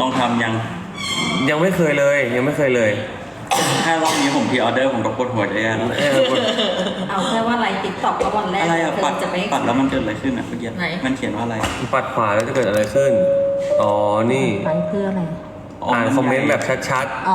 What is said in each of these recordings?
ลองทำยังไม่เคยเลยถ้ารอบนี้ผมพรีออเดอร์ผมก็ปวดหัวได้แล้วเอาแค่ว่าไลฟ์ติ๊กต็อกก็วันแรกอะไรอะปัดจะไม่แล้วมันเกิดอะไรขึ้นอะเมื่อกี้มันเขียนว่าอะไรปัดขวาแล้วจะเกิดอะไรขึ้นอ๋อนี่ไปเพื่ออะไรอ่านคอมเมนต์แบบชัดๆอ๋อ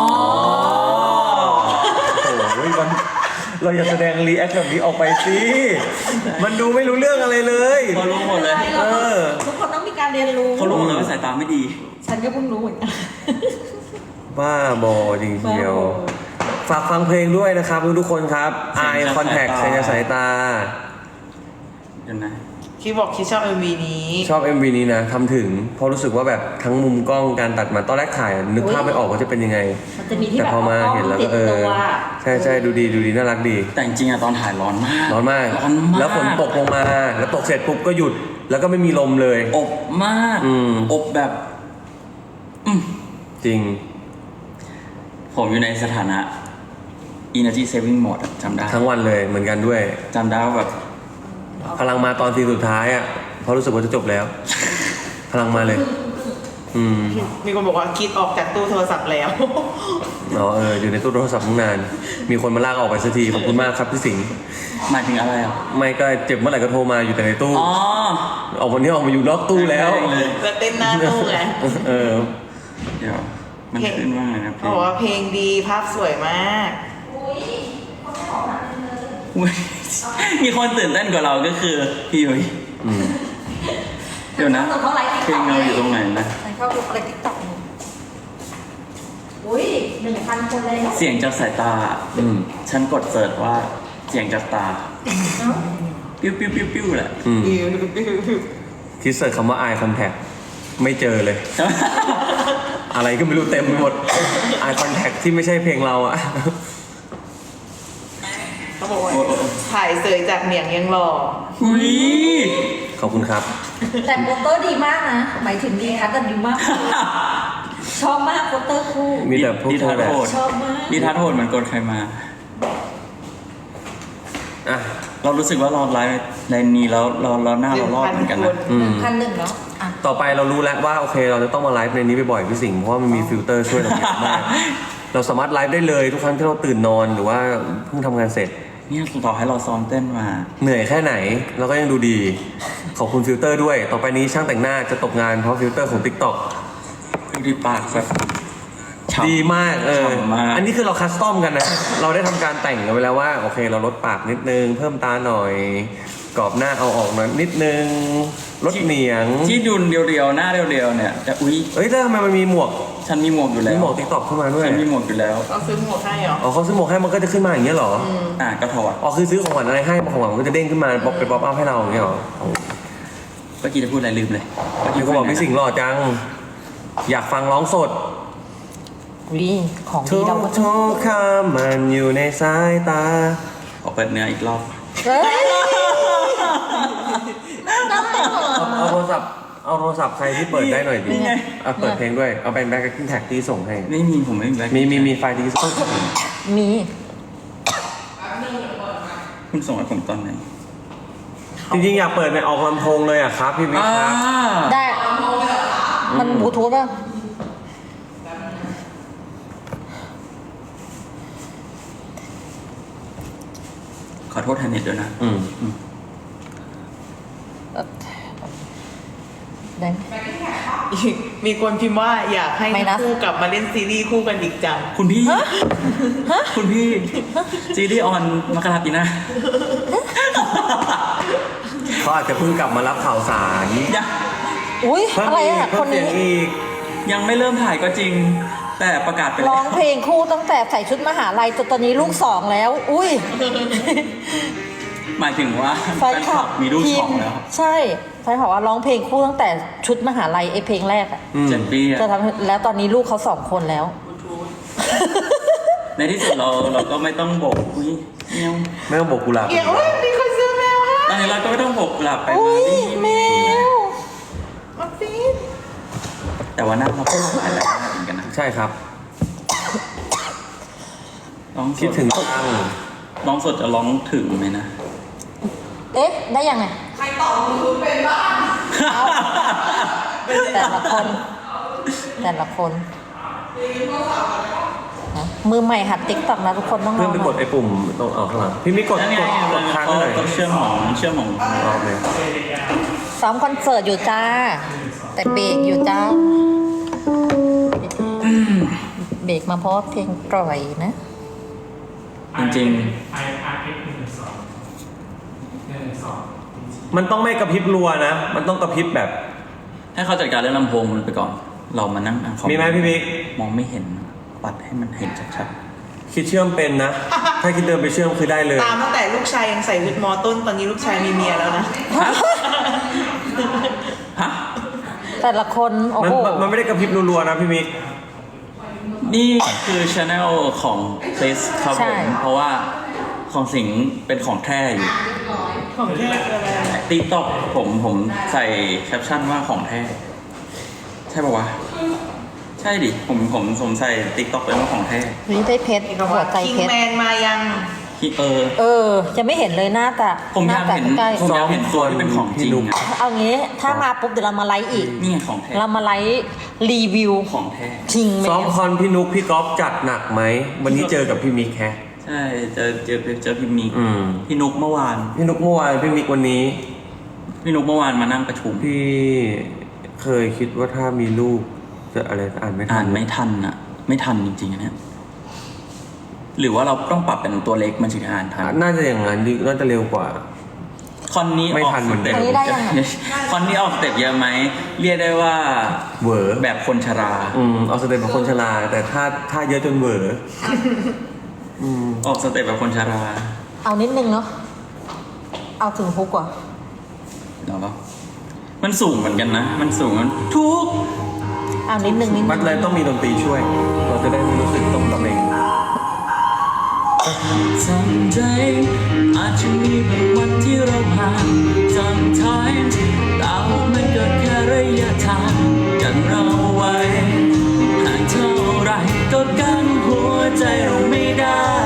โอ้ยมันเราอย่าแสดงรีแอคแบบนี้ออกไปสิมันดูไม่รู้เรื่องอะไรเลยเขารู้หมดเลยทุกคนต้องมีการเรียนรู้เขารู้เลยว่าสายตาไม่ดีฉันก็เพิ่งรู้เหมือนกันบ้าบอจริงเชียวฝากฟังเพลงด้วยนะครับทุกคนครับ Eye Contact เสียงจากสายตาเดี๋ยวนะคิดบอกคิดชอบ MV นี้ชอบ MV นี้นะทำถึงเพราะรู้สึกว่าแบบทั้งมุมกล้องการตัดมาตอนแรกถ่ายนึกภาพไม่ออกว่าจะเป็นยังไงแต่พอมาเห็นแล้วก็ใช่ดูดีน่ารักดีแต่จริงๆอะตอนถ่ายร้อนมากแล้วฝนตกลงมาแล้วตกเสร็จปุ๊บก็หยุดแล้วก็ไม่มีลมเลยอบมากอบแบบจริงผมอยู่ในสถานะ energy saving mode จำได้ทั้งวันเลยเหมือนกันด้วยจำได้ว่าแบบพลังมาตอนทีสุดท้ายอ่ะเพราะรู้สึกว่าจะจบแล้วพลังมาเลยมีคนบอกว่าคิดออกจากตู้โทรศัพท์แล้วอ๋ออยู่ในตู้โทรศัพท์ตั้งนานมีคนมาลากออกไปสักทีขอบคุณมากครับพี่สิงห์หมายถึงอะไรอ่ะไม่ก็เจ็บเมื่อไหร่ก็โทรมาอยู่แต่ในตู้ออกวันนี้ออกมาอยู่นอกตู้แล้วจะเต้นหน้าตู้ไงเดี๋ยวมันขึ้นว่าไงนะเพลงบอกว่าเพลงดีภาพสวยมากมีคนตื่นเต้นกว่าเราก็คือพี่ยุ้ยเดี๋ยวนะเพลงเราอยู่ตรงไหนนะฉันเข้าดูอะไรติ๊กต็อกอุ้ย1,000 คนเลยเสียงจากสายตาฉันกดเสิร์ชว่าเสียงจากตาปิ้วแหละคิดเสิร์ชคำว่า Eye Contact ไม่เจอเลย อะไรก็ไม่รู้เต็มไปหมด Eye Contact ที่ไม่ใช่เพลงเราอะเขาบอกว่าถ่ายเสยจากเหนียงยังหล่อขอบคุณครับแต่โปสเตอร์ดีมากนะหมายถึงดีคัทกันดีมากชอบมากโปสเตอร์คู่มีแต่พวกทัดโหดชอบมากนิทัศน์โหดเหมือนกดใครมาเรารู้สึกว่าเราไลฟ์ในนี้แล้วเราหน้าเรารอดเหมือนกันนะ 1,100เนาะต่อไปเรารู้แล้วว่าโอเคเราจะต้องมาไลฟ์ในนี้บ่อยๆพี่สิงห์เพราะว่ามันมีฟิลเตอร์ช่วยเราเยอะมากเราสามารถไลฟ์ได้เลยทุกครั้งที่เราตื่นนอนหรือว่าเพิ่งทำงานเสร็จเนี่ยต่อให้เราซ้อมเต้นมาเหนื่อยแค่ไหนเราก็ยังดูดีขอบคุณฟิลเตอร์ด้วยต่อไปนี้ช่างแต่งหน้าจะตกงานเพราะฟิลเตอร์ของ TikTok ดูดีปากแบบดีมากอันนี้คือเราคัสตอมกันนะเราได้ทำการแต่งกันไปแล้วว่าโอเคเราลดปากนิดนึงเพิ่มตาหน่อยกรอบหน้าเอาออกหน่อยนิดนึงลดเหนียงที่ดุนเรียวๆหน้าเรียวๆเนี่ยแต่แต่ทำไมมันมีหมวกฉันมีหมวกอยู่แล้วมีหมวก TikTok ขึ้นมาด้วยฉันมีหมวกอยู่แล้วเขาซื้อหมวกให้เหรอเขาซื้อหมวกให้มันก็จะขึ้นมาอย่างเงี้ยเหรอก็ถอดคือซื้อของขวัญอะไรให้ของขวัญมันก็จะเด้งขึ้นมาป๊อปเป็นป๊อปอัพให้เราอย่างเงี้ยเหรอเมื่อกี้จะพูดอะไรลืมเลยพี่ก็บอกพี่สิงห์หล่อจังอยากฟังร้องสดของดีเราก็ทุกคำมันอยู่ในสายตาขอเปิดเนื้ออีกรอบเอาโทรศัพท์ใครที่เปิดได้หน่อยดิเปิดเพลงด้วยเอาเป็นแบ็คกิ้งแท็กที่ส่งให้ไม่มีผมไม่มีแบ็คมีไฟล์ที่ส่งมีคุณส่งให้ผมตอนไหนจริงๆอยากเปิดในออกลำโพงเลยอ่ะครับพี่วิทย์ครับได้มันบลูทูธป่ะขอโทษแทนเน็ตด้วยนะมีคนพิมพ์ว่าอยากให้คู่กลับมาเล่นซีรีส์คู่กันอีกจังคุณพี่ซีรีส์ออนมกราปีหน้าเขาอาจจะเพิ่งกลับมารับข่าวสารอุ้ยอะไรอ่ะคนนี้ยังไม่เริ่มถ่ายก็จริงแต่ประกาศไปร้องเพลงคู่ตั้งแต่ใส่ชุดมหาลัยจนตอนนี้ลูก2แล้วอุ้ยหมายถึงว่าแฟนคลับมีลูก2แล้วใช่แฟนคลับว่าร้องเพลงคู่ตั้งแต่ชุดมหาลัยเพลงแรกอ่ะ 7 ปีจะทำแล้วตอนนี้ลูกเขา2 คนแล้วในที่สุดเราก็ไม่ต้องโบกไม่ต้องโบกกุหลาบมีคนซื้อแมวให้ตอนนี้เราก็ไม่ต้องโบกกุหลาบไปมาดิแมวแต่ว่าหน้าเราก็หลายแล้วเหมือนกันนะใช่ครับคิดถึงร้องสดจะร้องถึงไหมนะได้ยังไงใครตอบคุณเป็นบ้างแต่ละคนแต่ละคนนะมือใหม่หัดติ๊กต็อกนะทุกคนต้องลเพื่ออน งไปกดไอ้ปุ่มตรงข้างหลังพี่มิกกดนั่นไงกดค้างไว้หน่อยก็เชื่อมของโอเคซ้อมคอนเสิร์ตอยู่จ้า แต่เบรกอยู่จ้า เบรกมาเพราะว่าเพลงปล่อยนะจริงมันต้องไม่กระพริบรัวนะ มันต้องกระพริบแบบๆให้เขาจัดการเรื่องลำโพงมันไปก่อน เรามานั่งอ่านคอมมีไหมพี่มิกมองไม่เห็นปัดให้มันเห็นชัดคิดเชื่อมเป็นนะ ถ้าคิดเดินไปเชื่อมคือได้เลยตามตั้งแต่ลูกชายยังใส่วิกมอต้นตอนนี้ลูกชายมีเมียแล้วนะๆฮะฮะแต่ละคนโอ้มันโหมันไม่ได้กระพริบรัวๆนะพี่มิกนี่คือช anel ของคริสครับผมเพราะว่าของสิงห์เป็นของแท้อยู่ของแท้คืออะไรติ๊กต็อกผมใส่แคปชั่นว่าของแท้ ใช่ปะวะ ใช่ดิ ผมใส่ติ๊กต็อกเป็นว่าของแท้นี่ได้เพชรหัวใจคิงเพชรแมนมายังที่จะไม่เห็นเลยหน้าแต่ผมอยากเห็นใกล้ผมอยากเห็นตัวที่เป็นของจริงอะเอางี้ถ้ามาปุ๊บเดี๋ยวเรามาไลฟ์อีกนี่ไงของแท้เรามาไลฟ์รีวิวของแท้คิงแมซ้อมนคอนพี่นุกพี่ก๊อฟจัดหนักไหม วันนี้เจอกับพี่มิกแฮะใช่เจอพี่มิกอืมพี่นุกเมื่อวานพี่นุกเมื่อวานพี่มิกวันนี้พี่นุกเมื่อวานมานั่งประชุมพี่เคยคิดว่าถ้ามีลูกจะอะไรอ่านไม่ทัอ่านไม่ทันอ่ะ ไม่ทันจริงๆอันเนี้ยหรือว่าเราต้องปรับเป็นตัวเล็กมันถึงจะอ่านทันน่าจะอย่างนั้นน่าจะเร็วกว่าคอนนี้ไม่ออกทันเหมือนเดิมอันนี้ได้ยังอะคอนนี้ออกสเต็ปเยอะไหมเรียกได้ว่าเวอร์แบบคนชราเอาสเต็ปแบบคนชราแต่ถ้าเยอะจนเวอร์อืมออกสเต็ปแบบคนชราเอานิดนึงเนาะเอาถึงฮุกก่อนเนาะมันสูงเหมือนกันนะ มันสูงมันทุกเอานิดนึงมันเลยต้องมีดนตรีช่วย เราจะได้ไม่รู้สึกต้องตะเบงทำใจอาจจะมีบางวันที่เราผ่าน sometimes แต่ว่ามันก็แค่ระยะทางกันเราไว้ห่างเท่าไรก็กันหัวใจเราไม่ได้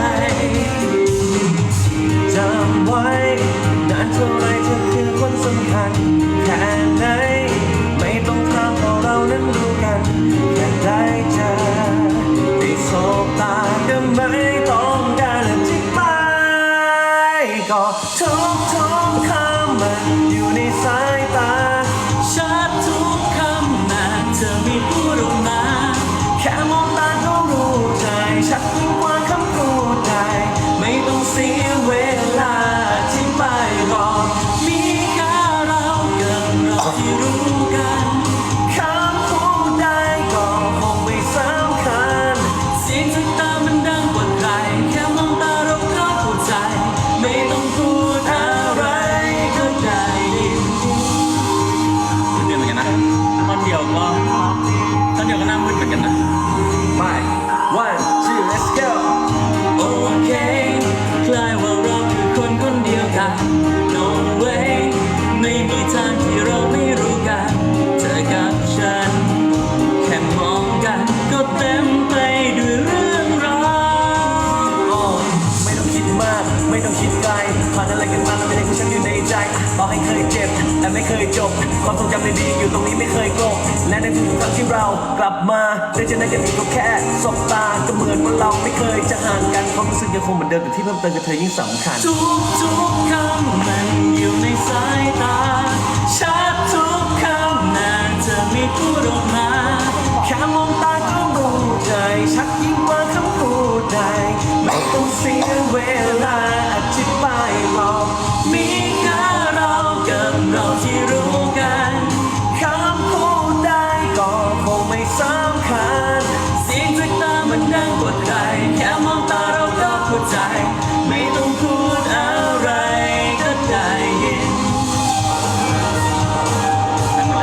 จำไว้นานเท่าไรเธอคือคนสำคัญแค่ไหนไม่ต้องถามเพราะเรานั้นรู้กันแค่ได้เจอได้สบตาก็ไม่ต้องการอธิบายก็ทุกคำมันอยู่ในสายตาชัดทุกคำแม้เธอไม่พูดออกมาแค่มองตาก็รู้ใจชัดยิ่งกว่าคำพูดใดไม่ต้องเสียเวลาที่ไม่รอมีแค่เรากับเราที่รู้กันคำพูดใดก็คงไม่สำคัญเสียงจากตามันดังกว่าใครแค่มองตาเราก็เข้าใจ ไม่ต้องพูดอะไรก็ได้ยินเหมือนกันนะตอนเดียวก็หน้ามืดเหมือนกันนะไป one two let's go โอเคคล้ายว่าเราคือคนคนเดียวกัน no way ไม่มีทางที่เราไม่รู้กันเธอกับฉัน แค่มองกันก็เต็มไปด้วยเรื่องราวโอ้ไม่ต้องคิดมากไม่ต้องคิดไกลผ่านอะไรกันมาแล้วไม่ได้คือฉันอยู่ในใจต่อให้เคยเจ็บแต่ไม่เคยจบความทรงจำดีๆอยู่ตรงนี้ไม่เคยกลบและในทุกๆครั้งที่เรากลับมาได้เจอหน้ากันอีกก็แค่สบตาก็เหมือนว่าเราไม่เคยจะห่างกันความรู้สึกยังคงเหมือนเดิมแต่ที่เพิ่มเติมกับเธอยิ่งสำคัญทุกคำมันอยู่ในสายตา ชัดทุกคำน่าจะไม่พูดออกมาแค่มองตาก็รู้ใจชัดยิ่งกว่าคำพูดใดไม่ต้องเสียเวลาอธิบายหรอกมีแค่เรากับเราที่รู้กันคำพูดใดก็คงไม่สำคัญเสียงจากตามันดังกว่าใครแค่มองตาเราก็เข้าใจ ไม่ต้องพูดอะไรก็ได้ยินนั่นแหละ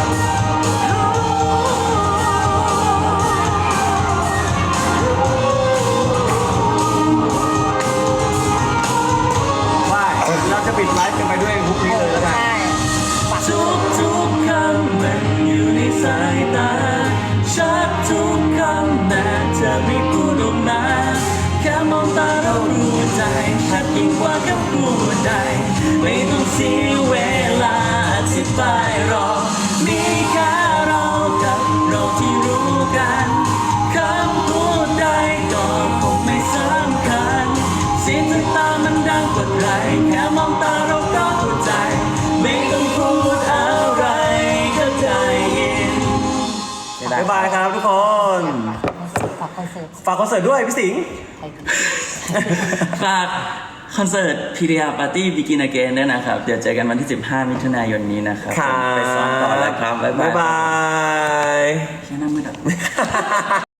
ว่าเราจะปิดไลฟ์กันไปด้วยฮุกนี้เลยแล้วกันใช่ปักทุกคำมันอยู่ในสายตา ชัดทุกคำแม้เธอไม่พูดออกมาแค่มองตาเรารู้ใจ ชัดยิ่งกว่าคำพูดใด ไม่ต้องเสียเวลาอธิบายหรอกมีแค่เรากับเราที่แค่มองตาเราก็เข้าใจไม่ต้องพูดอะไรก็ใจยินบ๊ายบายครับทุกคนฝากคอนเสิร์ตฝากคอนเสิร์ตด้วยพี่สิงห์ใครฝากคอนเสิร์ต PDR Party Begin Again ด้วยนะครับ เดี๋ยวเจอกันวันที่ 15 มิถุนายนนี้นะครับครับไปซ้อมต่อแล้วครับ บ๊ายบายบ๊ายบายแค่หน้ามืดอ่ะ